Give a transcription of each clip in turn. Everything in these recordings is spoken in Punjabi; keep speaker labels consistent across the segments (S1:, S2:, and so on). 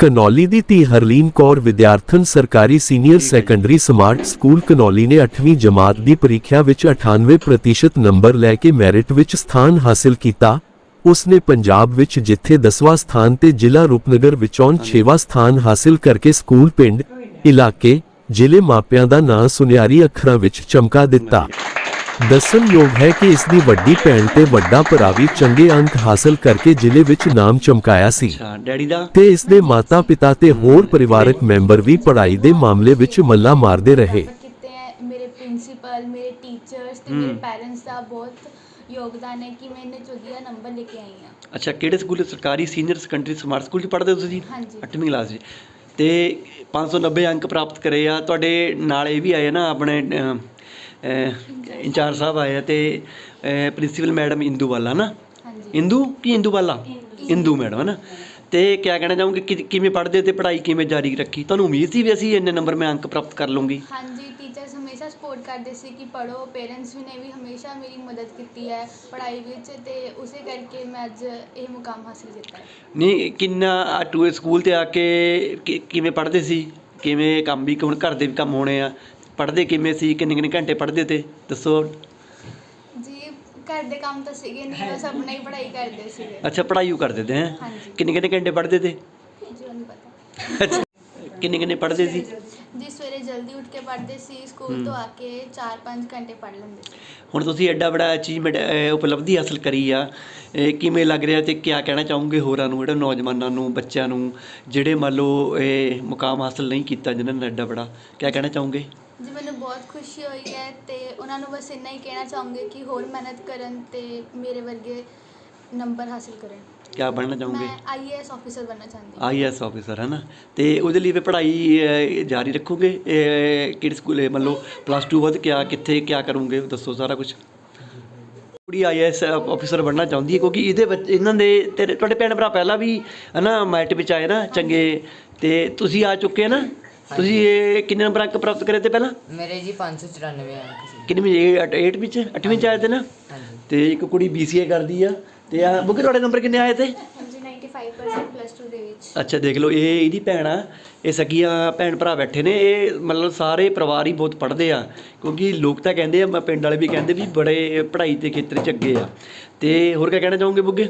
S1: ਘਨੌਲੀ ਦੀ ਧੀ ਹਰਲੀਨ ਕੌਰ ਵਿਦਿਆਰਥਣ ਸਰਕਾਰੀ senior secondary smart school Ghanauli ਨੇ 8ਵੀਂ ਜਮਾਤ ਦੀ ਪ੍ਰੀਖਿਆ ਵਿੱਚ 98% ਨੰਬਰ ਲੈ ਕੇ ਮੈਰਿਟ ਵਿੱਚ ਸਥਾਨ ਹਾਸਿਲ ਕੀਤਾ। ਉਸ ਨੇ ਪੰਜਾਬ ਵਿੱਚ ਜਿੱਥੇ 10ਵਾਂ ਸਥਾਨ ਤੇ ਜ਼ਿਲ੍ਹਾ ਰੂਪਨਗਰ ਵਿੱਚੋਂ 6ਵਾਂ ਸਥਾਨ ਹਾਸਿਲ ਕਰਕੇ ਸਕੂਲ ਪਿੰਡ, ਇਲਾਕੇ, ਜ਼ਿਲ੍ਹੇ ਮਾਪਿਆਂ ਦਾ ਨਾਂ ਸੁਨਿਆਰੀ ਅੱਖਰਾਂ ਵਿੱਚ ਚਮਕਾ ਦਿੱਤਾ। ਦੱਸਣਯੋਗ ਹੈ ਕਿ ਇਸ ਦੀ ਵੱਡੀ ਭੈਣ ਤੇ ਵੱਡਾ ਭਰਾ ਵੀ ਚੰਗੇ ਅੰਕ ਹਾਸਲ ਕਰਕੇ ਜ਼ਿਲ੍ਹੇ ਵਿੱਚ ਨਾਮ ਚਮਕਾਇਆ ਸੀ ਤੇ ਇਸ ਦੇ ਮਾਤਾ-ਪਿਤਾ ਤੇ ਹੋਰ ਪਰਿਵਾਰਕ ਮੈਂਬਰ ਵੀ ਪੜ੍ਹਾਈ ਦੇ ਮਾਮਲੇ ਵਿੱਚ ਮੱਲਾ ਮਾਰਦੇ ਰਹੇ।
S2: ਮੇਰੇ ਪ੍ਰਿੰਸੀਪਲ, ਮੇਰੇ ਟੀਚਰਸ ਤੇ ਮੇਰੇ ਪੈਰੈਂਟਸ ਦਾ ਬਹੁਤ ਯੋਗਦਾਨ ਹੈ ਕਿ ਮੈਂ ਇੰਨੇ ਵਧੀਆ ਨੰਬਰ ਲੈ ਕੇ ਆਈ ਹਾਂ।
S3: ਅੱਛਾ, ਕਿਹੜੇ ਸਕੂਲ? ਸਰਕਾਰੀ ਸੀਨੀਅਰ ਸੈਕੰਡਰੀ ਸਮਾਰਟ ਸਕੂਲ 'ਚ ਪੜ੍ਹਦੇ ਹੋ ਤੁਸੀਂ?
S2: ਹਾਂਜੀ।
S3: 8ਵੀਂ ਕਲਾਸ 'ਚ ਤੇ 590 ਅੰਕ ਪ੍ਰਾਪਤ ਕਰੇ ਆ। ਤੁਹਾਡੇ ਨਾਲ ਇਹ ਵੀ ਆਏ ਨਾ, ਆਪਣੇ ਇੰਚਾਰਜ ਸਾਹਿਬ ਆਏ ਆ ਤੇ ਪ੍ਰਿੰਸੀਪਲ ਮੈਡਮ ਇੰਦੂ ਵਾਲਾ ਨਾ, ਇੰਦੂ ਕੀ ਇੰਦੂ ਵਾਲਾ, ਇੰਦੂ ਮੈਡਮ ਹੈ ਨਾ। ਤੇ ਕਿਆ ਕਹਿਣਾ ਚਾਹੋਗੇ ਕਿਵੇਂ ਪੜ੍ਹਦੇ ਤੇ ਪੜ੍ਹਾਈ ਕਿਵੇਂ ਜਾਰੀ ਰੱਖੀ? ਤੁਹਾਨੂੰ ਉਮੀਦ ਸੀ ਵੀ ਅਸੀਂ ਇੰਨੇ ਨੰਬਰ ਮੈਂ ਅੰਕ ਪ੍ਰਾਪਤ ਕਰ ਲੂੰਗੀ?
S2: ਹਾਂਜੀ, ਟੀਚਰਸ ਹਮੇਸ਼ਾ ਸਪੋਰਟ ਕਰਦੇ ਸੀ ਕਿ ਪੜ੍ਹੋ। ਪੇਰੈਂਟਸ ਨੇ ਵੀ ਹਮੇਸ਼ਾ ਮੇਰੀ ਮਦਦ ਕੀਤੀ ਹੈ ਪੜ੍ਹਾਈ ਵਿੱਚ ਤੇ ਉਸੇ ਕਰਕੇ ਮੈਂ ਅੱਜ ਇਹ ਮੁਕਾਮ ਹਾਸਿਲ ਕੀਤਾ ਹੈ।
S3: ਨਹੀਂ, ਕਿੰਨਾ ਟੂ ਸਕੂਲ 'ਤੇ ਆ ਕੇ ਕਿਵੇਂ ਪੜ੍ਹਦੇ ਸੀ? ਕਿਵੇਂ ਕੰਮ ਵੀ, ਹੁਣ ਘਰ ਦੇ ਵੀ ਕੰਮ ਹੋਣੇ ਆ, ਪੜ੍ਹਦੇ ਕਿਵੇਂ ਸੀ? ਕਿੰਨੇ ਘੰਟੇ ਪੜ੍ਹਦੇ ਤੇ ਦੱਸੋ
S2: ਜੀ। ਘਰ ਦੇ ਕੰਮ ਤਾਂ ਸੀਗੇ ਨਹੀਂ, ਬਸ ਆਪਣਾ ਹੀ ਪੜ੍ਹਾਈ ਕਰਦੇ ਸੀਗੇ।
S3: ਅੱਛਾ, ਪੜ੍ਹਾਈ ਉਹ ਕਰਦੇ ਤੇ ਹੈ?
S2: ਹਾਂਜੀ।
S3: ਕਿੰਨੇ ਘੰਟੇ ਪੜ੍ਹਦੇ ਤੇ?
S2: ਜੀ ਨਹੀਂ ਪਤਾ।
S3: ਅੱਛਾ, ਕਿੰਨੇ ਪੜ੍ਹਦੇ ਸੀ?
S2: ਜੀ ਸਵੇਰੇ ਜਲਦੀ ਉੱਠ ਕੇ ਪੜ੍ਹਦੇ ਸੀ, ਸਕੂਲ ਤੋਂ ਆ ਕੇ 4-5 ਘੰਟੇ ਪੜ੍ਹ ਲੈਂਦੇ ਸੀ।
S3: ਹੁਣ ਤੁਸੀਂ ਐਡਾ ਬੜਾ ਅਚੀਵਮੈਂਟ, ਉਪਲਬਧੀ ਹਾਸਲ ਕਰੀ ਆ, ਕਿਵੇਂ ਲੱਗ ਰਿਹਾ ਤੇ ਕਿਆ ਕਹਿਣਾ ਚਾਹੋਗੇ ਹੋਰਾਂ ਨੂੰ, ਜਿਹੜੇ ਨੌਜਵਾਨਾਂ ਨੂੰ, ਬੱਚਿਆਂ ਨੂੰ, ਜਿਹੜੇ ਮੰਨ ਲਓ ਇਹ ਮੁਕਾਮ ਹਾਸਲ ਨਹੀਂ ਕੀਤਾ ਜਿਨ੍ਹਾਂ ਨੇ ਐਡਾ ਬੜਾ, ਕਿਆ ਕਹਿਣਾ ਚਾਹੋਗੇ?
S2: ਜੀ ਮੈਨੂੰ ਬਹੁਤ ਖੁਸ਼ੀ ਹੋਈ ਹੈ ਤੇ ਉਹਨਾਂ ਨੂੰ ਬਸ ਇੰਨਾ ਹੀ ਕਹਿਣਾ ਚਾਹੂੰਗੀ ਕਿ ਹੋਰ ਮਿਹਨਤ ਕਰਨ ਤੇ ਮੇਰੇ ਵਰਗੇ ਨੰਬਰ ਹਾਸਿਲ ਕਰਨ।
S3: ਕਿਆ ਬਣਨਾ ਚਾਹੋਗੇ?
S2: ਮੈਂ ਆਈਏਐਸ ਆਫਿਸਰ ਬਣਨਾ ਚਾਹੁੰਦੀ ਹਾਂ।
S3: ਆਈਏਐਸ ਆਫਿਸਰ ਹੈ ਨਾ। ਤੇ ਉਹਦੇ ਲਈ ਫਿਰ ਪੜ੍ਹਾਈ ਜਾਰੀ ਰੱਖੋਗੇ? ਕਿਹੜੇ ਸਕੂਲ, ਮੰਨ ਲਓ +2 ਬਾਅਦ ਕਿੱਥੇ ਕਿਆ ਕਰੋਗੇ, ਦੱਸੋ ਸਾਰਾ ਕੁਝ। ਕੁੜੀ ਆਈਏਐਸ ਆਫਿਸਰ ਬਣਨਾ ਚਾਹੁੰਦੀ ਹੈ ਕਿਉਂਕਿ ਇਹਦੇ ਵਿੱਚ ਇਹਨਾਂ ਦੇ ਤੁਹਾਡੇ ਭੈਣ ਭਰਾ ਪਹਿਲਾਂ ਵੀ ਹੈ ਨਾ ਮੈਰਿਟ ਵਿੱਚ ਆਏ ਨਾ ਚੰਗੇ, ਤੇ ਤੁਸੀਂ ਆ ਚੁੱਕੇ ਨਾ। ਤੁਸੀਂ ਇਹ ਕਿੰਨੇ ਨੰਬਰ ਅੰਕ ਪ੍ਰਾਪਤ ਕਰੇ ਤੇ ਪਹਿਲਾਂ?
S4: ਮੇਰੇ ਜੀ 594 ਅੰਕ ਸੀ।
S3: ਕਿੰਨੀ 8 ਵਿੱਚ 8ਵੀਂ 'ਚ ਆਏ ਤੇ ਨਾ। ਤੇ ਇੱਕ ਕੁੜੀ BCA ਕਰਦੀ ਆ। ਤੇ ਆ ਬੁੱਕੇ ਤੁਹਾਡੇ ਨੰਬਰ ਕਿੰਨੇ ਆਏ ਤੇ?
S2: ਹਾਂਜੀ 95% +2 ਦੇ ਵਿੱਚ।
S3: ਅੱਛਾ, ਦੇਖ ਲਓ, ਇਹ ਇਹਦੀ ਭੈਣ ਆ, ਇਹ ਸਕੀਆਂ ਭੈਣ ਭਰਾ ਬੈਠੇ ਨੇ। ਇਹ ਮਤਲਬ ਸਾਰੇ ਪਰਿਵਾਰ ਹੀ ਬਹੁਤ ਪੜ੍ਹਦੇ ਆ ਕਿਉਂਕਿ ਲੋਕ ਤਾਂ ਕਹਿੰਦੇ ਆ, ਪਿੰਡ ਵਾਲੇ ਵੀ ਕਹਿੰਦੇ ਵੀ ਬੜੇ ਪੜ੍ਹਾਈ ਦੇ ਖੇਤਰ 'ਚ ਅੱਗੇ ਆ। ਤੇ ਹੋਰ ਕਿਆ ਕਹਿਣਾ ਚਾਹੋਗੇ ਬੁੱਗੇ?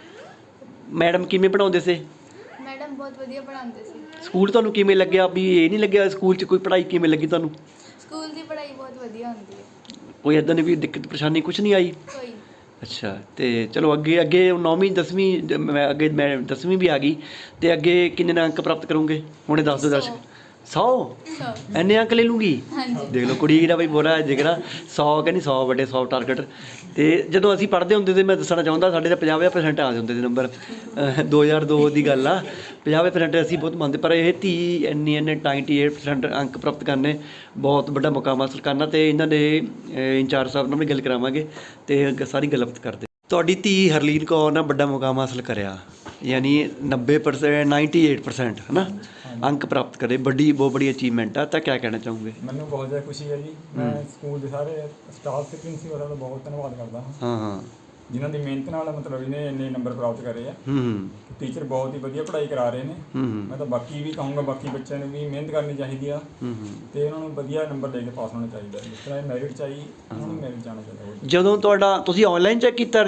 S3: ਮੈਡਮ ਕਿਵੇਂ ਪੜ੍ਹਾਉਂਦੇ ਸੀ?
S2: ਮੈਡਮ ਬਹੁਤ ਵਧੀਆ ਪੜ੍ਹਾਉਂਦੇ ਸੀ।
S3: ਸਕੂਲ ਤੁਹਾਨੂੰ ਕਿਵੇਂ ਲੱਗਿਆ? ਵੀ ਇਹ ਨਹੀਂ ਲੱਗਿਆ ਸਕੂਲ 'ਚ ਕੋਈ ਪੜ੍ਹਾਈ ਕਿਵੇਂ ਲੱਗੀ ਤੁਹਾਨੂੰ?
S2: ਸਕੂਲ ਦੀ ਪੜ੍ਹਾਈ ਬਹੁਤ ਵਧੀਆ ਹੁੰਦੀ ਹੈ।
S3: ਕੋਈ ਇੱਦਾਂ ਦੀ ਵੀ ਦਿੱਕਤ ਪਰੇਸ਼ਾਨੀ ਕੁਛ ਨਹੀਂ ਆਈ?
S2: ਕੋਈ।
S3: ਅੱਛਾ, ਤੇ ਚਲੋ ਅੱਗੇ 9ਵੀਂ 10ਵੀਂ ਅੱਗੇ ਮੈਂ 10ਵੀਂ ਵੀ ਆ ਗਈ ਤੇ ਅੱਗੇ ਕਿੰਨੇ ਅੰਕ ਪ੍ਰਾਪਤ ਕਰੋਗੇ? ਹੁਣੇ ਦੱਸ ਦਿਓ ਦਰਸ਼ਕ। 100 ਇੰਨੇ ਅੰਕ ਲੈ ਲੂੰਗੀ? ਦੇਖ ਲਓ ਕੁੜੀ ਦਾ ਬਈ ਬੋਲਾ ਜਿਗਰਾ। 100 ਕਹਿੰਦੀ 100 ਵੱਡੇ 100 ਟਾਰਗੇਟ। ਤੇ ਜਦੋਂ ਅਸੀਂ ਪੜ੍ਹਦੇ ਹੁੰਦੇ ਤੇ ਮੈਂ ਦੱਸਣਾ ਚਾਹੁੰਦਾ ਸਾਡੇ ਤਾਂ 50% ਆ ਜਾਂਦੇ ਸੀ ਨੰਬਰ। 2002 ਦੀ ਗੱਲ ਆ। 50% ਅਸੀਂ ਬਹੁਤ ਮੰਨਦੇ, ਪਰ ਇਹ ਧੀ ਇੰਨੇ 98% ਅੰਕ ਪ੍ਰਾਪਤ ਕਰਨੇ ਬਹੁਤ ਵੱਡਾ ਮੁਕਾਮ ਹਾਸਲ ਕਰਨਾ। ਤੇ ਇਹਨਾਂ ਦੇ ਇੰਚਾਰਜ ਸਾਹਿਬ ਨਾਲ ਵੀ ਗੱਲ ਕਰਾਵਾਂਗੇ ਤੇ ਸਾਰੀ ਗੱਲਬਾਤ ਕਰਦੇ। ਤੁਹਾਡੀ ਧੀ ਹਰਲੀਨ ਕੌਰ ਨੇ ਵੱਡਾ ਮੁਕਾਮ ਹਾਸਲ ਕਰਿਆ, ਯਾਨੀ 90% 98% ਹੈ ਨਾ ਅੰਕ ਪ੍ਰਾਪਤ ਕਰੇ, ਬਹੁਤ ਬੜੀ ਅਚੀਵਮੈਂਟ ਆ। ਤਾਂ ਕਿਆ ਕਹਿਣਾ ਚਾਹੋਗੇ?
S5: ਮੈਨੂੰ ਬਹੁਤ ਜ਼ਿਆਦਾ ਖੁਸ਼ੀ ਹੈ ਜੀ। ਮੈਂ ਸਕੂਲ ਦੇ ਸਾਰੇ ਸਟਾਫ ਤੇ ਪ੍ਰਿੰਸੀਪਲ ਦਾ ਬਹੁਤ ਧੰਨਵਾਦ ਕਰਦਾ ਹਾਂ।
S3: ਹਾਂ,
S5: ਜਿਨ੍ਹਾਂ ਦੀ ਮਿਹਨਤ ਨਾਲ ਮਤਲਬ ਇਹਨੇ ਇੰਨੇ ਨੰਬਰ ਪ੍ਰਾਪਤ ਕਰੇ ਆ। ਟੀਚਰ ਬਹੁਤ ਹੀ ਵਧੀਆ ਪੜ੍ਹਾਈ ਕਰਾ ਰਹੇ ਨੇ। ਮੈਂ ਤਾਂ ਬਾਕੀ ਵੀ ਕਹੂੰਗਾ, ਬਾਕੀ ਬੱਚਿਆਂ ਨੂੰ ਵੀ ਮਿਹਨਤ ਕਰਨੀ ਚਾਹੀਦੀ ਆ ਤੇ ਉਹਨਾਂ ਨੂੰ ਵਧੀਆ ਨੰਬਰ ਲੈ ਕੇ ਪਾਸ ਹੋਣਾ ਚਾਹੀਦਾ। ਜਿਸ ਤਰ੍ਹਾਂ ਇਹ ਮੈਰਿਟ 'ਚ ਆਈ, ਉਹਨਾਂ ਨੂੰ ਮੈਰਿਟ ਜਾਣਾ ਚਾਹੀਦਾ।
S3: ਜਦੋਂ ਤੁਸੀਂ ਆਨਲਾਈਨ ਚੈੱਕ ਕੀਤਾ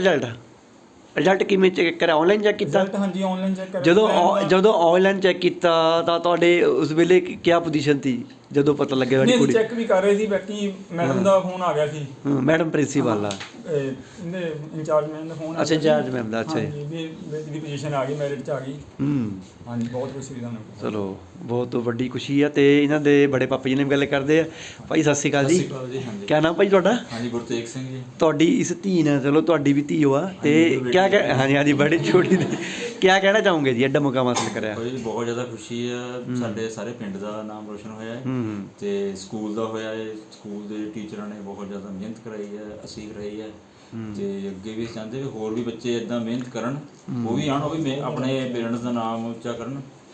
S3: ਰਿਜ਼ਲਟ ਕਿਵੇਂ ਚੈੱਕ ਕਰਿਆ? ਆਨਲਾਈਨ ਚੈੱਕ ਕੀਤਾ?
S5: ਹਾਂਜੀ, ਆਨਲਾਈਨ ਚੈੱਕ ਕਰਿਆ।
S3: ਜਦੋਂ ਆਨਲਾਈਨ ਚੈੱਕ ਕੀਤਾ ਤਾਂ ਤੁਹਾਡੇ ਉਸ ਵੇਲੇ ਕਿਆ ਪੋਜੀਸ਼ਨ ਸੀ ਜਦੋਂ ਪਤਾ ਲੱਗਿਆ ਤੁਹਾਡੀ ਕੁੜੀ?
S5: ਚੈੱਕ ਵੀ ਕਰ ਰਹੇ ਸੀ, ਬਾਕੀ ਮੈਡਮ ਦਾ ਫੋਨ ਆ ਗਿਆ ਸੀ।
S3: ਮੈਡਮ ਪ੍ਰਿੰਸੀਪਲ ਆ,
S5: ਇਹਦੇ ਇੰਚਾਰਜ ਮੈਮ ਦਾ ਫੋਨ।
S3: ਅੱਛਾ, ਇੰਚਾਰਜ ਮੈਮ ਦਾ। ਅੱਛਾ
S5: ਜੀ, ਵੀ ਪੋਜੀਸ਼ਨ ਆ ਗਈ, ਮੈਰਿਟ 'ਚ ਆ ਗਈ। ਹਾਂਜੀ, ਬਹੁਤ ਖੁਸ਼ੀ ਹੋਈ ਸਾਨੂੰ।
S3: ਚਲੋ, ਬਹੁਤ ਵੱਡੀ ਖੁਸ਼ੀ ਆ। ਤੇ ਇਹਨਾਂ ਦੇ ਬੜੇ ਪਾਪਾ ਜੀ ਨੇ ਵੀ ਗੱਲ ਕਰਦੇ ਆ। ਭਾਈ ਸਤਿ ਸ਼੍ਰੀ ਅਕਾਲ ਜੀ। ਕਿਆ ਨਾਮ ਭਾਈ ਤੁਹਾਡਾ?
S6: ਹਾਂਜੀ, ਗੁਰਤੇਜ ਸਿੰਘ ਜੀ।
S3: ਤੁਹਾਡੀ ਇਸ ਧੀ ਨੇ, ਚਲੋ ਤੁਹਾਡੀ ਵੀ ਧੀ ਹੋਆ ਤੇ ਕਿਆ ਹਾਂਜੀ ਬੜੀ ਛੋਟੀ ਕਿਆ ਕਹਿਣਾ ਚਾਹੋਗੇ ਜੀ ਐਡਾ ਮੁਕਾਮ ਹਾਸਲ ਕਰਿਆ?
S6: ਬਹੁਤ ਜ਼ਿਆਦਾ ਖੁਸ਼ੀ ਆ। ਸਾਡੇ ਸਾਰੇ ਪਿੰਡ ਦਾ ਨਾਮ ਰੋਸ਼ਨ ਹੋਇਆ ਹੈ ਤੇ ਸਕੂਲ ਦਾ ਹੋਇਆ ਹੈ। ਸਕੂਲ ਦੇ ਟੀਚਰਾਂ ਨੇ ਬਹੁਤ ਜ਼ਿਆਦਾ ਮਿਹਨਤ ਕਰਾਈ ਹੈ, ਅਸੀਸ ਰਹੀ ਹੈ। ਤੇ ਅੱਗੇ ਵੀ ਚਾਹੁੰਦੇ ਵੀ ਹੋਰ ਵੀ ਬੱਚੇ ਇਦਾਂ ਮਿਹਨਤ ਕਰਨ, ਉਹ ਵੀ ਆਉਣ, ਉਹ ਵੀ ਆਪਣੇ ਪੇਰੈਂਟਸ ਦਾ ਨਾਮ ਉੱਚਾ ਕਰਨ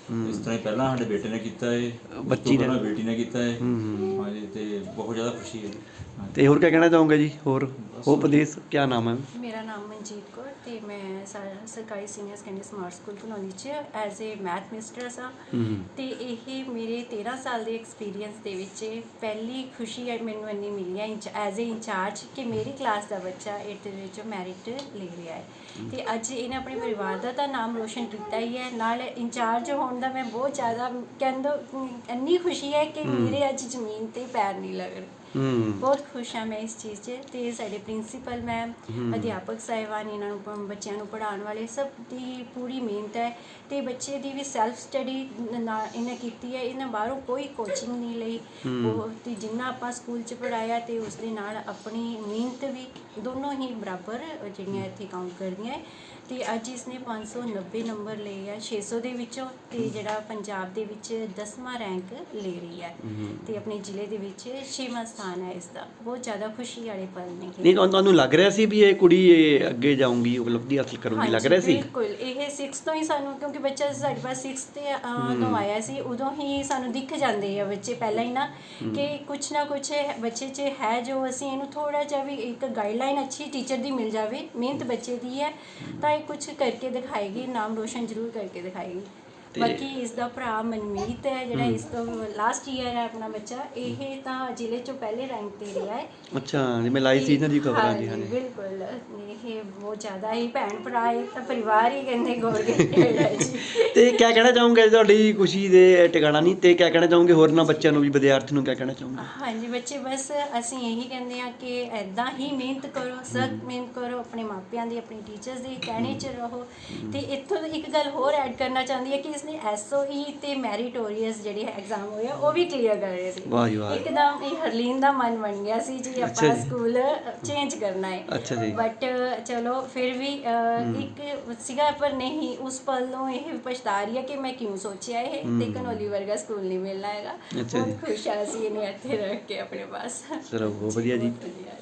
S6: ਇਸ ਤਰ੍ਹਾਂ ਹੀ ਪਹਿਲਾਂ ਸਾਡੇ ਬੇਟੇ ਨੇ ਕੀਤਾ ਹੈ,
S3: ਬੱਚੀ ਨੇ।
S6: ਬੇਟੀ ਨੇ ਕੀਤਾ ਹੈ। ਹਾਂਜੀ, ਤੇ ਬਹੁਤ ਜ਼ਿਆਦਾ ਖੁਸ਼ੀ ਹੈ। ਹਾਂਜੀ।
S3: ਤੇ ਹੋਰ ਕੀ ਕਹਿਣਾ ਚਾਹੋਗੇ ਜੀ? ਹੋਰ ਉਪਦੇਸ਼ ਕੀ ਨਾਮ ਹੈ?
S7: ਮੇਰਾ ਨਾਮ ਮਨਜੀਤ ਕੌਰ ਤੇ ਮੈਂ ਸਰਕਾਰੀ senior secondary smart school Ghanauli 'ਚ ਐਜ਼ ਏ ਮੈਥ ਮਿਸਟਰਸ ਹਾਂ। ਤੇ ਇਹ ਮੇਰੇ 13 ਸਾਲ ਦੇ ਐਕਸਪੀਰੀਅੰਸ ਦੇ ਵਿੱਚ ਪਹਿਲੀ ਖੁਸ਼ੀ ਹੈ ਮੈਨੂੰ ਇੰਨੀ ਮਿਲੀ ਹੈ ਐਜ਼ ਏ ਇੰਚਾਰਜ ਕਿ ਮੇਰੀ ਕਲਾਸ ਦਾ ਬੱਚਾ 8th ਦੇ ਵਿੱਚ ਮੈਰਿਟ ਲੈ ਰਿਹਾ ਹੈ। ਤੇ ਅੱਜ ਇਹਨੇ ਆਪਣੇ ਪਰਿਵਾਰ ਦਾ ਤਾਂ ਨਾਮ ਰੋਸ਼ਨ ਕੀਤਾ ਹੀ ਹੈ, ਨਾਲ ਇੰਚਾਰਜ ਹੋਣ ਦਾ ਮੈਂ ਬਹੁਤ ਜ਼ਿਆਦਾ ਕਹਿੰਦਾ ਇੰਨੀ ਖੁਸ਼ੀ ਹੈ ਕਿ ਮੇਰੇ ਅੱਜ ਜ਼ਮੀਨ ਤੇ ਪੈਰ ਨਹੀਂ ਲੱਗ ਰਹੇ। ਬਹੁਤ ਖੁਸ਼ ਹਾਂ ਮੈਂ ਇਸ ਚੀਜ਼ 'ਚ। ਤੇ ਸਾਡੇ ਪ੍ਰਿੰਸੀਪਲ ਮੈਮ, ਅਧਿਆਪਕ ਸਾਹਿਬਾਨ, ਇਹਨਾਂ ਨੂੰ ਬੱਚਿਆਂ ਨੂੰ ਪੜ੍ਹਾਉਣ ਵਾਲੇ ਸਭ ਦੀ ਪੂਰੀ ਮਿਹਨਤ ਹੈ। ਤੇ ਬੱਚੇ ਦੀ ਵੀ ਸੈਲਫ ਸਟੱਡੀ ਇਹਨੇ ਕੀਤੀ ਹੈ, ਇਹਨਾਂ ਬਾਹਰੋਂ ਕੋਈ ਕੋਚਿੰਗ ਨਹੀਂ ਲਈ। ਉਹ ਤੇ ਜਿੰਨਾ ਆਪਾਂ ਸਕੂਲ 'ਚ ਪੜ੍ਹਾਇਆ ਤੇ ਉਸ ਦੇ ਨਾਲ ਆਪਣੀ ਮਿਹਨਤ ਵੀ ਦੋਨੋਂ ਹੀ ਬਰਾਬਰ ਜਿਹੜੀਆਂ ਇੱਥੇ ਕਾਊਂਟ ਕਰਦੀਆਂ ਹੈ। ਤੇ ਅੱਜ ਇਸਨੇ 590 ਨੰਬਰ ਲਏ ਆ 600 ਦੇ ਵਿੱਚੋਂ, ਤੇ ਜਿਹੜਾ ਪੰਜਾਬ ਦੇ ਵਿੱਚ 10ਵਾਂ ਰੈਂਕ ਲੈ ਰਹੀ ਹੈ ਤੇ ਆਪਣੇ ਜ਼ਿਲ੍ਹੇ ਦੇ ਵਿੱਚ 6ਵਾਂ ਸਥਾਨ ਹੈ ਇਸਦਾ। ਬਹੁਤ ਜ਼ਿਆਦਾ ਖੁਸ਼ੀ ਵਾਲੇ ਪਲ ਨੇ।
S3: ਨਹੀਂ, ਤੁਹਾਨੂੰ ਲੱਗ ਰਿਹਾ ਸੀ ਵੀ ਇਹ ਕੁੜੀ ਇਹ ਅੱਗੇ ਜਾਊਂਗੀ, ਉਪਲਬਧੀ ਹਾਸਲ ਕਰੂਗੀ, ਲੱਗ ਰਿਹਾ ਸੀ?
S7: ਬਿਲਕੁਲ। ਇਹ 6 ਤੋਂ ਹੀ ਸਾਨੂੰ, ਕਿਉਂਕਿ ਬੱਚਾ ਸਾਡੇ ਪਾਸ 6 ਤੇ ਤੋਂ ਆਇਆ ਸੀ, ਉਦੋਂ ਹੀ ਸਾਨੂੰ ਦਿਖ ਜਾਂਦੇ ਆ ਬੱਚੇ ਪਹਿਲਾਂ ਹੀ ਨਾ ਕਿ ਕੁਛ ਨਾ ਕੁਛ ਬੱਚੇ 'ਚ ਹੈ ਜੋ ਅਸੀਂ ਇਹਨੂੰ ਥੋੜ੍ਹਾ ਜਿਹਾ ਵੀ ਇੱਕ ਗਾਈਡਲਾਈਨ ਅੱਛੀ ਟੀਚਰ ਦੀ ਮਿਲ ਜਾਵੇ, ਮਿਹਨਤ ਬੱਚੇ ਦੀ ਹੈ ਤਾਂ ਇਹ ਕੁਛ ਕਰਕੇ ਦਿਖਾਏਗੀ, ਨਾਮ ਰੋਸ਼ਨ ਜ਼ਰੂਰ ਕਰਕੇ ਦਿਖਾਏਗੀ। ਬਾਕੀ ਇਸ ਦਾ ਭਰਾ ਮਨਮੀਤ ਹੈ ਜਿਹੜਾ ਇਸ ਤੋਂ ਲਾਸਟ ਈਅਰ ਹੈ ਆਪਣਾ ਬੱਚਾ, ਇਹ ਤਾਂ ਜ਼ਿਲ੍ਹੇ 'ਚੋਂ ਪਹਿਲੇ ਰੈਂਕ ਤੇ ਰਿਹਾ ਹੈ।
S3: ਅੱਛਾ, ਜਿਵੇਂ ਲਾਈ ਸੀ ਇਹਨਾਂ ਦੀ ਖਬਰਾਂ ਜੀ। ਹਾਂਜੀ,
S7: ਬਿਲਕੁਲ। ਇਹ ਬਹੁਤ ਜ਼ਿਆਦਾ ਹੀ ਭੈਣ ਭਰਾ ਹੈ ਤਾਂ ਪਰਿਵਾਰ ਹੀ ਕਹਿੰਦੇ ਗੋਲਗੇਟ ਹੈ ਜੀ।
S3: ਤੇ ਕੀ ਕਹਿਣਾ ਚਾਹੋਗੇ? ਤੁਹਾਡੀ ਖੁਸ਼ੀ ਦੇ ਟਿਕਾਣਾ ਨਹੀਂ, ਤੇ ਕੀ ਕਹਿਣਾ ਚਾਹੋਗੇ ਹੋਰ ਨਾ ਬੱਚਿਆਂ ਨੂੰ ਵੀ, ਵਿਦਿਆਰਥੀ ਨੂੰ ਕੀ ਕਹਿਣਾ ਚਾਹੋਗੇ?
S7: ਹਾਂਜੀ, ਬੱਚੇ ਬਸ ਅਸੀਂ ਇਹੀ ਕਹਿੰਦੇ ਹਾਂ ਕਿ ਇੱਦਾਂ ਹੀ ਮਿਹਨਤ ਕਰੋ, ਸਖਤ ਮਿਹਨਤ ਕਰੋ, ਆਪਣੇ ਮਾਪਿਆਂ ਦੀ, ਆਪਣੇ ਟੀਚਰਸ ਦੇ ਕਹਿਣੇ 'ਚ ਰਹੋ। ਤੇ ਇੱਥੋਂ ਇੱਕ ਗੱਲ ਹੋਰ ਐਡ ਕਰਨਾ ਚਾਹੁੰਦੀ ਹੈ ਕਿ ਇਸਨੇ SOE ਤੇ ਮੈਰੀਟੋਰੀਅਸ ਜਿਹੜੇ ਐਗਜ਼ਾਮ ਹੋਏ ਆ ਉਹ ਵੀ ਕਲੀਅਰ ਕਰ ਰਹੇ ਸੀ।
S3: ਵਾਹ ਜੀ ਵਾਹ।
S7: ਇੱਕਦਮ ਇਹ ਹਰਲੀਨ ਦਾ ਮਨ ਬਣ ਗਿਆ ਸੀ ਜੀ ਆਪਾਂ ਸਕੂਲ ਚੇਂਜ ਕਰਨਾ ਹੈ।
S3: ਅੱਛਾ ਜੀ।
S7: ਬਟ ਚਲੋ ਫਿਰ ਵੀ ਇੱਕ ਸੀਗਾ, ਪਰ ਨਹੀਂ, ਉਸ ਪਲ ਨੂੰ ਇਹ ਪਛਤਾ ਰਹੀ ਹੈ ਕਿ ਮੈਂ ਕਿਉਂ ਸੋਚਿਆ ਇਹ, ਤੇ ਘਨੌਲੀ ਵਰਗਾ ਸਕੂਲ ਨਹੀਂ ਮਿਲਣਾ ਹੈਗਾ। ਬਹੁਤ ਖੁਸ਼ ਆ ਅਸੀਂ ਇਹਨੂੰ ਇੱਥੇ ਰੱਖ ਕੇ ਆਪਣੇ ਪਾਸ।
S3: ਚਲੋ ਬਹੁਤ ਵਧੀਆ ਜੀ।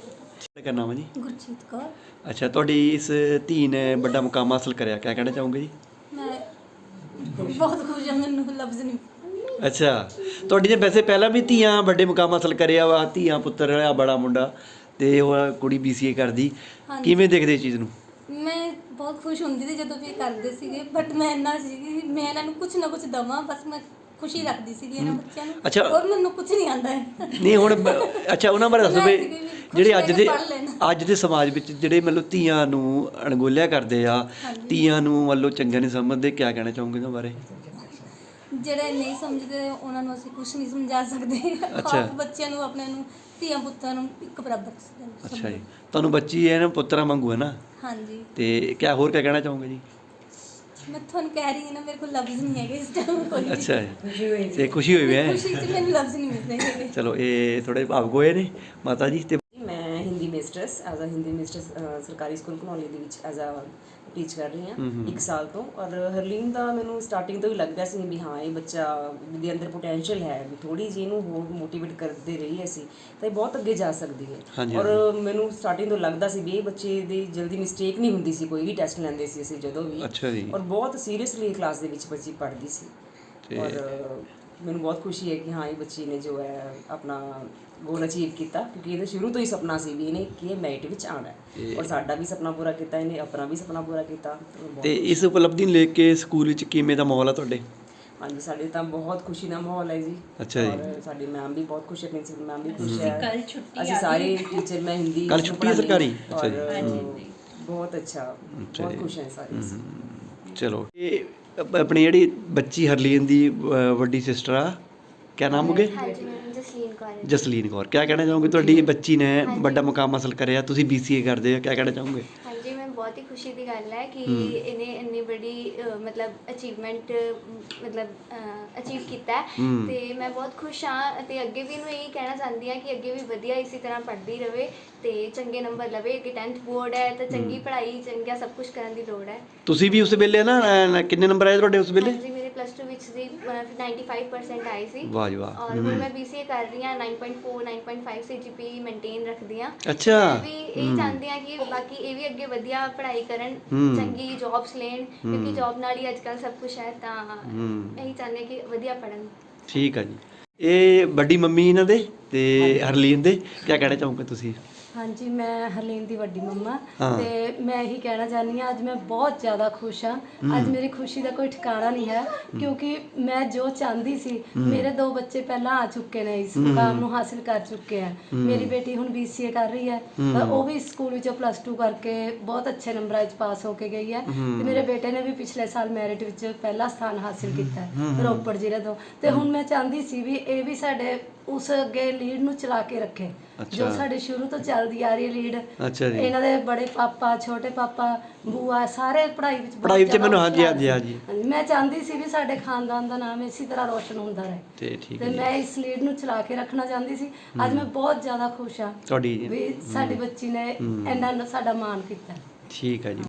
S3: ਕੀ ਨਾਮ ਹੈ ਜੀ?
S8: ਗੁਰਜੀਤ ਕੌਰ।
S3: ਅੱਛਾ, ਤੁਹਾਡੀ ਇਸ ਧੀ ਨੇ ਵੱਡਾ ਮੁਕਾਮ ਹਾਸਲ ਕਰਿਆ, ਕੀ ਕਹਿਣਾ ਚਾਹੋਗੇ ਜੀ?
S8: ਮੈਂ ਬਹੁਤ ਖੁਸ਼ ਹਾਂ, ਮੈਨੂੰ ਲਫ਼ਜ਼ ਨਹੀਂ।
S3: ਅੱਛਾ, ਤੁਹਾਡੀ ਨੇ ਵੈਸੇ ਪਹਿਲਾਂ ਵੀ ਧੀਆਂ ਵੱਡੇ ਮੁਕਾਮ ਹਾਸਲ ਕਰਿਆ ਵਾ, ਧੀਆਂ ਪੁੱਤਰ ਆ, ਬੜਾ ਮੁੰਡਾ ਤੇ ਉਹ ਕੁੜੀ BCA ਕਰਦੀ, ਕਿਵੇਂ ਦੇਖਦੇ ਇਸ ਚੀਜ਼ ਨੂੰ?
S8: ਮੈਂ ਬਹੁਤ ਖੁਸ਼ ਹੁੰਦੀ ਸੀ ਜਦੋਂ ਵੀ ਇਹ ਕਰਦੇ ਸੀਗੇ, ਬਟ ਮੈਂ ਇੰਨਾ ਸੀ ਮੈਂ ਇਹਨਾਂ ਨੂੰ ਕੁਝ ਨਾ ਕੁਝ ਦਵਾਂ, ਬਸ ਮੈਂ ਖੁਸ਼ੀ ਰੱਖਦੀ ਸੀਗੀ ਇਹਨਾਂ ਬੱਚਿਆਂ ਨੂੰ।
S3: ਅੱਛਾ।
S8: ਔਰ ਮੈਨੂੰ ਕੁਝ ਨਹੀਂ ਆਉਂਦਾ ਹੈ।
S3: ਨਹੀਂ ਹੁਣ ਅੱਛਾ, ਉਹਨਾਂ ਬਾਰੇ ਦੱਸੋ ਵੀ ਜਿਹੜੇ ਅੱਜ ਦੇ ਸਮਾਜ ਵਿੱਚ ਜਿਹੜੇ ਮਤਲਬ ਧੀਆਂ ਨੂੰ ਅਣਗੌਲਿਆ ਕਰਦੇ ਆ, ਧੀਆਂ ਨੂੰ ਮਤਲਬ ਚੰਗਾ ਨਹੀਂ ਸਮਝਦੇ, ਕੀ ਕਹਿਣਾ ਚਾਹੋਗੇ ਉਹਨਾਂ ਬਾਰੇ?
S8: ਜਿਹੜੇ ਨਹੀਂ ਸਮਝਦੇ ਉਹਨਾਂ ਨੂੰ ਅਸੀਂ ਕੁਝ ਨਹੀਂ ਸਮਝਾ ਸਕਦੇ। ਆਪ ਬੱਚਿਆਂ ਨੂੰ, ਆਪਣੇ ਨੂੰ, ਧੀਆਂ ਪੁੱਤਾਂ ਨੂੰ ਇੱਕ ਬਰਾਬਰ ਸਮਝੋ।
S3: ਅੱਛਾ ਜੀ, ਤੁਹਾਨੂੰ ਬੱਚੀ ਹੈ ਨਾ, ਪੁੱਤਰਾਂ ਵਾਂਗੂ ਹੈ ਨਾ?
S8: ਹਾਂਜੀ।
S3: ਤੇ ਕੀ ਹੋਰ ਕੀ ਕਹਿਣਾ ਚਾਹੋਗੇ ਜੀ?
S8: ਮੈਂ ਤੁਹਾਨੂੰ ਕਹਿ ਰਹੀ ਹਾਂ ਨਾ, ਮੇਰੇ ਕੋਲ ਲਫ਼ਜ਼ ਨਹੀਂ ਹੈਗੇ ਇਸ ਟਾਈਮ ਕੋਈ।
S3: ਅੱਛਾ ਜੀ, ਤੇ ਖੁਸ਼ੀ ਹੋਈ ਹੈ?
S8: ਖੁਸ਼ੀ 'ਚ ਮੈਨੂੰ ਲਫ਼ਜ਼ ਨਹੀਂ ਮਿਲ ਰਹੇ ਹੈਗੇ।
S3: ਚਲੋ, ਇਹ ਥੋੜੇ ਭਾਵੁਕ ਹੋਏ ਨੇ ਮਾਤਾ ਜੀ। ਤੇ
S9: ਮੈਂ Hindi mistress as uh Hindi mistress ਸਰਕਾਰੀ ਸਕੂਲ ਘਨੌਲੀ ਦੇ ਵਿੱਚ ਐਜ਼ ਅ ਟੀਚ ਕਰ ਰਹੀ ਹਾਂ 1 ਸਾਲ ਤੋਂ। ਔਰ ਹਰਲੀਨ ਦਾ ਮੈਨੂੰ ਸਟਾਰਟਿੰਗ ਤੋਂ ਹੀ ਲੱਗਦਾ ਸੀ ਵੀ ਹਾਂ, ਇਹ ਬੱਚਾ ਦੇ ਅੰਦਰ ਪੋਟੈਂਸ਼ੀਅਲ ਹੈ, ਵੀ ਥੋੜੀ ਜਿਹੀ ਇਹਨੂੰ ਹੋਰ ਮੋਟੀਵੇਟ ਕਰਦੇ ਰਹੀਏ ਅਸੀਂ ਤਾਂ ਇਹ ਬਹੁਤ ਅੱਗੇ ਜਾ ਸਕਦੀ ਹੈ। ਔਰ ਮੈਨੂੰ ਸਟਾਰਟਿੰਗ ਤੋਂ ਲੱਗਦਾ ਸੀ ਵੀ ਇਹ ਬੱਚੇ ਦੀ ਜਲਦੀ ਮਿਸਟੇਕ ਨਹੀਂ ਹੁੰਦੀ ਸੀ, ਕੋਈ ਵੀ ਟੈਸਟ ਲੈਂਦੇ ਸੀ ਅਸੀਂ ਜਦੋਂ ਵੀ।
S3: ਅੱਛਾ ਜੀ।
S9: ਔਰ ਬਹੁਤ ਸੀਰੀਅਸਲੀ ਕਲਾਸ ਦੇ ਵਿੱਚ ਬੱਚੀ ਪੜ੍ਹਦੀ ਸੀ। ਔਰ ਮੈਨੂੰ ਬਹੁਤ ਖੁਸ਼ੀ ਹੈ ਕਿ ਹਾਂ, ਇਹ ਬੱਚੀ ਨੇ ਜੋ ਹੈ ਆਪਣਾ ਗੋਲ ਅਚੀਵ ਕੀਤਾ, ਕਿਉਂਕਿ ਇਹਦਾ ਸ਼ੁਰੂ ਤੋਂ ਹੀ ਸੁਪਨਾ ਸੀ ਵੀ ਇਹਨੇ ਕਿ ਇਹ ਮੈਰਿਟ ਵਿੱਚ ਆਉਣਾ ਹੈ। ਔਰ ਸਾਡਾ ਵੀ ਸੁਪਨਾ ਪੂਰਾ ਕੀਤਾ ਇਹਨੇ, ਆਪਣਾ ਵੀ ਸੁਪਨਾ ਪੂਰਾ ਕੀਤਾ।
S3: ਤੇ ਇਸ ਉਪਲਬਧੀ ਨੂੰ ਲੈ ਕੇ ਸਕੂਲ ਵਿੱਚ ਕਿਵੇਂ ਦਾ ਮਾਹੌਲ ਹੈ ਤੁਹਾਡੇ?
S9: ਹਾਂਜੀ, ਸਾਡੇ ਤਾਂ ਬਹੁਤ ਖੁਸ਼ੀ ਦਾ ਮਾਹੌਲ ਹੈ ਜੀ।
S3: ਅੱਛਾ ਜੀ।
S9: ਔਰ ਸਾਡੀ ਮੈਮ ਵੀ ਬਹੁਤ ਖੁਸ਼ ਹੈ, ਪ੍ਰਿੰਸੀਪਲ ਮੈਮ ਵੀ ਖੁਸ਼ ਹੈ, ਅਸੀਂ ਸਾਰੇ ਟੀਚਰ। ਮੈਂ ਹਿੰਦੀ
S3: ਕੱਲ ਛੁੱਟੀ ਹੈ ਸਰਕਾਰੀ?
S9: ਅੱਛਾ ਜੀ। ਬਹੁਤ ਅੱਛਾ, ਬਹੁਤ ਖੁਸ਼ ਹੈ ਸਾਰੇ।
S3: ਚਲੋ, ਇਹ ਆਪਣੀ ਜਿਹੜੀ ਬੱਚੀ ਹਰਲੀਨ ਦੀ ਵੱਡੀ ਸਿਸਟਰ ਆ, ਕਿਆ ਨਾਮ ਹੋਗੇ?
S2: ਜਸਲੀਨ ਕੌਰ।
S3: ਜਸਲੀਨ ਕੌਰ, ਕਿਆ ਕਹਿਣਾ ਚਾਹੋਗੇ? ਤੁਹਾਡੀ ਬੱਚੀ ਨੇ ਵੱਡਾ ਮੁਕਾਮ ਹਾਸਲ ਕਰਿਆ, ਤੁਸੀਂ BCA ਕਰਦੇ ਹੋ, ਕਿਆ ਕਹਿਣਾ ਚਾਹੋਗੇ?
S2: ਹਾਂਜੀ, ਮੈਂ ਬਹੁਤ ਹੀ ਖੁਸ਼ੀ ਦੀ ਗੱਲ ਹੈ ਕਿ ਇਹਨੇ ਇੰਨੀ ਬੜੀ ਮਤਲਬ ਅਚੀਵਮੈਂਟ ਅਚੀਵ ਕੀਤਾ ਹੈ ਤੇ ਮੈਂ ਬਹੁਤ ਖੁਸ਼ ਹਾਂ। ਤੇ ਅੱਗੇ ਵੀ ਇਹਨੂੰ ਇਹੀ ਕਹਿਣਾ ਚਾਹੁੰਦੀ ਹਾਂ ਕਿ ਅੱਗੇ ਵੀ ਵਧੀਆ ਇਸੇ ਤਰ੍ਹਾਂ ਪੜ੍ਹਦੀ ਰਹੇ ਤੇ ਚੰਗੇ ਨੰਬਰ ਲਵੇ। ਅੱਗੇ 10th ਬੋਰਡ ਹੈ ਤਾਂ ਚੰਗੀ ਪੜ੍ਹਾਈ, ਚੰਗਾ ਸਭ ਕੁਝ ਕਰਨ ਦੀ ਲੋੜ ਹੈ।
S3: ਤੁਸੀਂ ਵੀ ਉਸ ਵੇਲੇ ਨਾ ਕਿੰਨੇ ਨੰਬਰ ਆਏ ਤੁਹਾਡੇ ਉਸ ਵੇਲੇ?
S2: ਹਾਂਜੀ, ਮੇਰੇ ਪਲੱਸ 2 ਵਿੱਚ ਸੀ 95% ਆਏ ਸੀ
S3: ਵਾਹ ਜੀ ਵਾਹ।
S2: ਔਰ ਹੁਣ ਮੈਂ BCA ਕਰ ਰਹੀ ਹਾਂ 9.4 9.5 CGPA ਮੇਨਟੇਨ ਰੱਖਦੀ ਹਾਂ।
S3: ਅੱਛਾ।
S2: ਮੈਂ ਵੀ ਇਹ ਚਾਹੁੰਦੀ ਹਾਂ ਕਿ ਬਾਕੀ ਇਹ ਵੀ ਅੱਗੇ ਵਧੀਆ ਪੜ੍ਹਾਈ ਕਰਨ, ਚੰਗੀ ਜੌਬਸ ਲੈਣ, ਕਿਉਂਕਿ ਜੌਬ ਨਾਲ ਹੀ ਅੱਜ ਕੱਲ੍ਹ ਸਭ ਕੁਝ ਹੈ। ਤਾਂ ਇਹੀ ਚਾਹੁੰਦੇ ਹਾਂ ਕਿ ਵਧੀਆ ਪੜ੍ਹਨ।
S3: ਠੀਕ ਆ ਜੀ। ਇਹ ਵੱਡੀ ਮੰਮੀ ਇਹਨਾਂ ਦੇ ਤੇ ਹਰਲੀਨ ਦੇ, ਕੀ ਕਹਿਣਾ ਚਾਹੋਗੇ ਤੁਸੀਂ?
S10: ਹਾਂਜੀ, ਮੈਂ ਹਰਲੀਨ ਦੀ ਵੱਡੀ ਮੰਮਾ
S3: ਹਾਂ।
S10: ਤੇ ਮੈਂ ਇਹੀ ਕਹਿਣਾ ਚਾਹੁੰਦੀ ਹਾਂ, ਅੱਜ ਮੈਂ ਬਹੁਤ ਜ਼ਿਆਦਾ ਖੁਸ਼ ਹਾਂ। ਅੱਜ ਮੇਰੀ ਖੁਸ਼ੀ ਦਾ ਕੋਈ ਠਿਕਾਣਾ ਨਹੀਂ ਹੈ, ਕਿਉਂਕਿ ਮੈਂ ਜੋ ਚਾਹੁੰਦੀ ਸੀ, ਮੇਰੇ 2 ਬੱਚੇ ਪਹਿਲਾਂ ਆ ਚੁੱਕੇ ਨੇ, ਇਸ ਮੁਕਾਮ ਨੂੰ ਹਾਸਿਲ ਕਰ ਚੁੱਕੇ ਹੈ। ਮੇਰੀ ਬੇਟੀ ਹੁਣ BCA ਕਰ ਰਹੀ ਹੈ, ਉਹ ਵੀ ਸਕੂਲ ਵਿੱਚੋਂ ਪਲੱਸ 2 ਕਰਕੇ ਬਹੁਤ ਅੱਛੇ ਨੰਬਰਾਂ 'ਚ ਪਾਸ ਹੋ ਕੇ ਗਈ ਹੈ। ਤੇ ਮੇਰੇ ਬੇਟੇ ਨੇ ਵੀ ਪਿਛਲੇ ਸਾਲ ਮੈਰਿਟ ਵਿੱਚ ਪਹਿਲਾ ਸਥਾਨ ਹਾਸਿਲ ਕੀਤਾ ਹੈ ਰੋਪੜ ਜ਼ਿਲ੍ਹੇ ਤੋਂ। ਤੇ ਹੁਣ ਮੈਂ ਚਾਹੁੰਦੀ ਸੀ ਵੀ ਇਹ ਵੀ ਸਾਡੇ ਉਸ ਅੱਗੇ ਲੀਡ ਨੂੰ ਚਲਾ ਕੇ ਰੱਖੇ, ਜੋ ਸਾਡੇ ਸ਼ੁਰੂ ਤੋਂ ਚੱਲਦੀ ਆ ਰਹੀ ਹੈ ਲੀਡ।
S3: ਅੱਛਾ ਜੀ।
S10: ਇਹਨਾਂ ਦੇ ਬੜੇ ਪਾਪਾ, ਛੋਟੇ ਪਾਪਾ, ਬੂਆ ਸਾਰੇ ਪੜ੍ਹਾਈ ਵਿੱਚ ਬਹੁਤ
S3: ਪੜ੍ਹਾਈ ਵਿੱਚ
S10: ਜ਼ਿਆਦਾ
S3: ਮੈਨੂੰ ਹਾਂਜੀ
S10: ਹੁਸ਼ਿਆਰ
S3: ਹਾਂਜੀ ਹਾਂਜੀ।
S10: ਹਾਂਜੀ, ਮੈਂ ਚਾਹੁੰਦੀ ਸੀ ਵੀ ਸਾਡੇ ਖਾਨਦਾਨ ਦਾ ਨਾਮ ਇਸੇ ਤਰ੍ਹਾਂ ਰੋਸ਼ਨ ਹੁੰਦਾ ਰਹੇ
S3: ਤੇ ਠੀਕ
S10: ਤੇ
S3: ਹੈ ਜੀ।
S10: ਮੈਂ ਇਸ ਲੀਡ ਨੂੰ ਚਲਾ ਕੇ ਰੱਖਣਾ ਚਾਹੁੰਦੀ ਸੀ। ਅੱਜ ਮੈਂ ਬਹੁਤ ਜ਼ਿਆਦਾ ਖੁਸ਼ ਹਾਂ
S3: ਤੁਹਾਡੀ
S10: ਵੀ ਸਾਡੀ ਬੱਚੀ ਨੇ ਇੰਨਾ ਸਾਡਾ ਮਾਣ ਕੀਤਾ।
S3: ਠੀਕ ਹੈ ਜੀ।